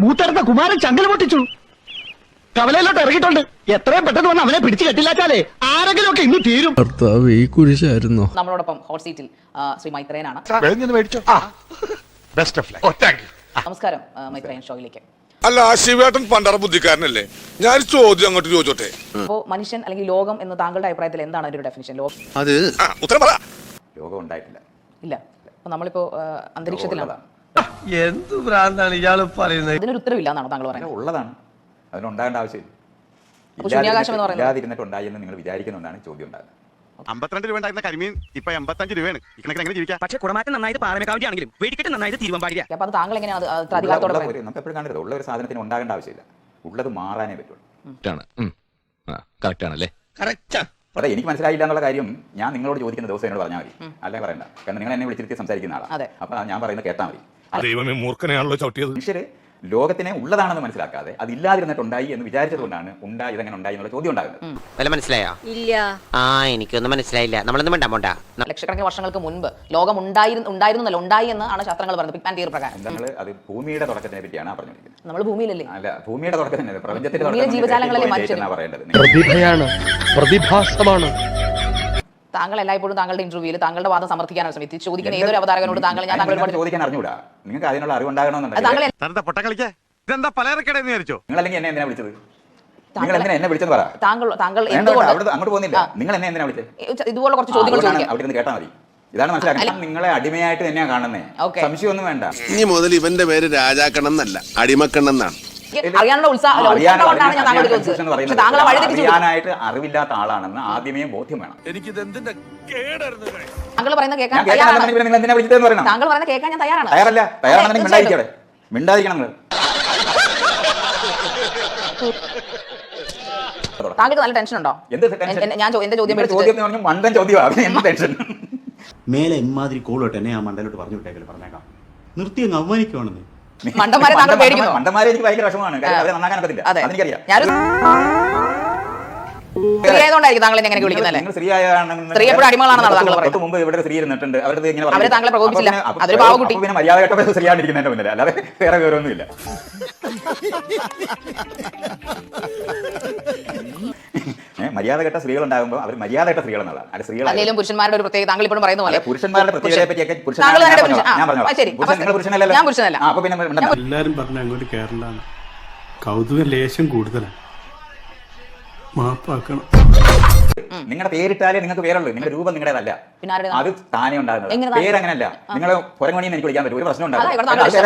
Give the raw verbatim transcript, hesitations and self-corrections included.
മൂത്തടുത്ത കുമാരൻ ചങ്കൽ പൊട്ടിച്ചു. കവലയിലോട്ട് ഇറങ്ങിയിട്ടുണ്ട്. എത്രയും പെട്ടെന്ന് വന്ന് അവനെ പിടിച്ചു കെട്ടില്ലാച്ചാലേ ആരെങ്കിലും ഒക്കെ ഇന്ന് തീരും. ഈ കുരിശായിരുന്നോ? നമ്മളോടൊപ്പം ഹോട്ട് സീറ്റിൽ ശ്രീ മൈത്രേയനാണ്. നമസ്കാരം മൈത്രേയൻ ഷോയിലേക്ക്. അല്ല, ശിവേട്ടൻ പണ്ടറ ബുദ്ധിക്കാരനല്ലേ? ഞാൻ ചോദ്യം അങ്ങോട്ട് ചോദിച്ചോട്ടെ. അപ്പോ മനുഷ്യൻ അല്ലെങ്കിൽ ലോകം എന്ന് താങ്കളുടെ അഭിപ്രായത്തിൽ എന്താണ് അതിന്റെ ഡെഫിനിഷൻ? ലോകം അത് ഉത്തരം പറ. ലോകം ഉണ്ടായിട്ടില്ല. ഇല്ല. അപ്പൊ നമ്മളിപ്പോ അന്തരീക്ഷത്തിലാണ്. എന്ത് ഭ്രാന്താണ് ഇയാള് പറയുന്നത്? ഇതിനൊരു ഉത്തരവില്ല എന്നാണോ താങ്കൾ പറയുന്നത്? ഉള്ളതാണ്, അതിനുണ്ടാകേണ്ട ആവശ്യമില്ല. ശൂന്യാകാശം എന്ന് പറയുന്നത് ഇല്ലാതിരുന്നിട്ടുണ്ടായി എന്ന് നിങ്ങൾ വിചാരിക്കുന്നുണ്ടാണ് ചോദ്യം ഉണ്ടാകുന്നത്. അമ്പത്തിരണ്ട് രൂപ ഉണ്ടായിരുന്ന കരിമീൻ ഇപ്പൊ എൺപത്തഞ്ച് രൂപയാണ്. എങ്ങനെ ജീവിക്കാം? പക്ഷേ കുടമാറ്റം നന്നായിട്ട് പാറമേക്കാവിന്റെ ആണെങ്കിലും വെടിക്കെട്ട് നന്നായിട്ട് തിരുവമ്പാടിയ. അപ്പൊ അത് താങ്കൾ എങ്ങനെയാണ് അധികാരത്തോടെ നമുക്ക് എപ്പോഴും കാണരുത്. ഉള്ള ഒരു സാധനത്തിന് ഉണ്ടാകേണ്ട ആവശ്യമില്ല. ഉള്ളത് മാറാനേ പറ്റുള്ളൂ. അതെ, എനിക്ക് മനസ്സിലായില്ല എന്നുള്ള കാര്യം ഞാൻ നിങ്ങളോട് ചോദിക്കുന്ന ദിവസം എന്നോട് പറഞ്ഞാൽ മതി. അല്ലേ പറയണ്ട. കാരണം നിങ്ങൾ എന്നെ വിളിച്ചിരുത്തി സംസാരിക്കുന്ന ആളാണ്. അപ്പൊ ഞാൻ പറയുന്നത് കേട്ടാൽ മതി. ദൈവമേ, മൂർഖനെയാണല്ലോ ചവിട്ടിയത്. മനുഷ്യര് ലോകത്തിനെ ഉള്ളതാണെന്ന് മനസ്സിലാക്കാതെ അത് ഇല്ലാതിരുന്നിട്ടുണ്ടായി എന്ന് വിചാരിച്ചതുകൊണ്ടാണ് ഉണ്ടായി ഇതെങ്ങനെ ഉണ്ടായി എന്നുള്ള ചോദ്യം ഉണ്ടാകുന്നത്. മനസ്സിലായോ? ഇല്ല. ആ എനിക്കൊന്നും മനസ്സിലായില്ല. നമ്മളൊന്നും വേണ്ട പോണ്ട. ലക്ഷക്കണക്കിന് വർഷങ്ങൾക്ക് മുൻപ് ലോകം ഉണ്ടായിരുന്നു ഉണ്ടായിരുന്നല്ല ഉണ്ടായി എന്നാണ് ശാസ്ത്രങ്ങൾ പറയുന്നത്. പിഗ് ബാങ് തിയറി പ്രകാരം നമ്മൾ അത് ഭൂമിയുടെ തുടക്കത്തിനെ പറ്റിയാണ് പറഞ്ഞിരിക്കുന്നത്. നമ്മൾ ഭൂമിയിലല്ലേ? അല്ല, ഭൂമിയുടെ തുടക്കത്തിനെ പ്രപഞ്ചത്തിന്റെ ജീവജാലങ്ങളല്ലേ മനുഷ്യൻ പറയേണ്ടത്. പ്രതിഭയാണ്, പ്രതിഭാസമാണ്. താങ്കൾ എല്ലായ്പ്പോഴും താങ്കളുടെ ഇന്റർവ്യൂവിൽ താങ്കളുടെ വാദം സമർത്ഥിക്കാനാണ് ശ്രമിച്ചത്. ചോദിക്കുന്ന ഏതൊരു അവതാരകനോട് താങ്കൾ ഞാൻ താങ്കളോട് ചോദിക്കാൻ അറിഞ്ഞൂടാ. നിങ്ങൾക്ക് അതിനുള്ള അറിവുണ്ടാകണമെന്നുണ്ടെങ്കിൽ ഇതെന്താ പലചരക്കടയെന്ന് വിചാരിച്ചോ? നിങ്ങൾ അല്ലെങ്കിൽ എന്നെ എന്തിനാ വിളിച്ചത്? നിങ്ങൾ എന്തിനാ എന്നെ വിളിച്ചത് പറ. താങ്കൾ താങ്കൾ അങ്ങോട്ട് പോകുന്നില്ല. നിങ്ങൾ എന്നെ എന്തിനാ വിളിച്ചത്? ഇതുപോലെ കുറച്ച് ചോദ്യങ്ങൾ ചോദിക്കാം. അവിടെ നിന്ന് കേട്ടാൽ മതി. ഇതാണ് മനസ്സിലാക്കുന്നത്. നിങ്ങളെ അടിമയായിട്ട് തന്നെയാ കാണുന്നേ. സംശയമൊന്നും വേണ്ട. ഇനി മുതൽ ഇവന്റെ പേര് രാജാക്കണ്ണം എന്നല്ല, അടിമക്കണ്ണെന്നാണ്. അറിയാനുള്ള ഉത്സാഹം അറിയാനായിട്ട് അറിവില്ലാത്ത ആളാണെന്ന് ആദ്യമേ ബോധ്യം വേണം. താങ്കൾ പറയുന്നത് കേൾക്കാൻ നിങ്ങൾ എന്തിനാ വിളിച്ചതെന്ന് പറയണം. താങ്കൾ പറയുന്നത് കേൾക്കാൻ ഞാൻ തയ്യാറാണ്. തയ്യാറല്ല. തയ്യാറാണെന്നുണ്ടെങ്കിൽ മിണ്ടായിരിക്കവിടെ. മിണ്ടായിരിക്കണം നിങ്ങൾ. താങ്കൾക്ക് നല്ല ടെൻഷൻ ഉണ്ടോ? എന്ത് ടെൻഷൻ? ഞാൻ എന്റെ ചോദ്യം ചോദ്യം മണ്ടൻ ചോദ്യമാണ്. എന്ത് ടെൻഷൻ? മേലെ ഇമാതിരി കോളോട്ട് എന്നെ ആ മണ്ടലോട്ട് പറഞ്ഞു വിട്ടേക്കല് പറഞ്ഞേക്കാം. നിർത്തി അങ്ങ് അവമാനിക്കുവാണെന്ന്. മണ്ടന്മാരെ താങ്കൾ പേടിക്കുന്നു. മണ്ടന്മാരെ എനിക്ക് ഭയങ്കര വിഷമമാണ്. അവരെ നന്നാക്കാൻ പറ്റില്ല. അതെനിക്കറിയാം. സ്ത്രീയായതുകൊണ്ടായിരിക്കും താങ്കൾ എങ്ങനെ വിളിക്കുന്നത്? സ്ത്രീ എപ്പോഴും അടിമകളാണെന്നാണ് താങ്കൾ പറയുന്നത്. മുമ്പ് ഇവിടെ സ്ത്രീ ഇരുന്നിട്ടുണ്ട്. അവരുടെ ഇങ്ങനെ അവരെ താങ്കളെ പ്രകോപിച്ചില്ല. അതൊരു പാവകുട്ടി. പിന്നെ മര്യാദ കേട്ട സ്ത്രീയാണ്ടിരിക്കുന്നതിന്റെ മുന്നിൽ അല്ലാതെ വേറെ വിവരമൊന്നുമില്ല. മര്യാദ കേട്ട സ്ത്രീകൾ ഉണ്ടാകുമ്പോൾ അവർ മര്യാദ കേട്ട സ്ത്രീകൾ എന്നുള്ളതാണ്. അത് സ്ത്രീകൾ അല്ലെങ്കിൽ പുരുഷന്മാരുടെ ഒരു പ്രത്യേകത താങ്കൾ ഇപ്പോഴും പറയുന്ന പോലെ പുരുഷന്മാരുടെ പ്രത്യേകതയെ പറ്റിയൊക്കെ എല്ലാരും പറഞ്ഞ അങ്ങോട്ട് കേരളാണ്. കൗതുക ലേശം കൂടുതലാണ്. മാപ്പാക്കണം. നിങ്ങളുടെ പേരിട്ടാലേ നിങ്ങൾക്ക് പേരുള്ളൂ. നിങ്ങളുടെ രൂപം നിങ്ങളുടേതല്ല. അത് താനേ ഉണ്ടാകുന്നത്. പേരങ്ങനല്ല. നിങ്ങൾ പുറംപണിന്ന് എനിക്ക് വിളിക്കാൻ പറ്റും. ഒരു പ്രശ്നം ഉണ്ടാകും.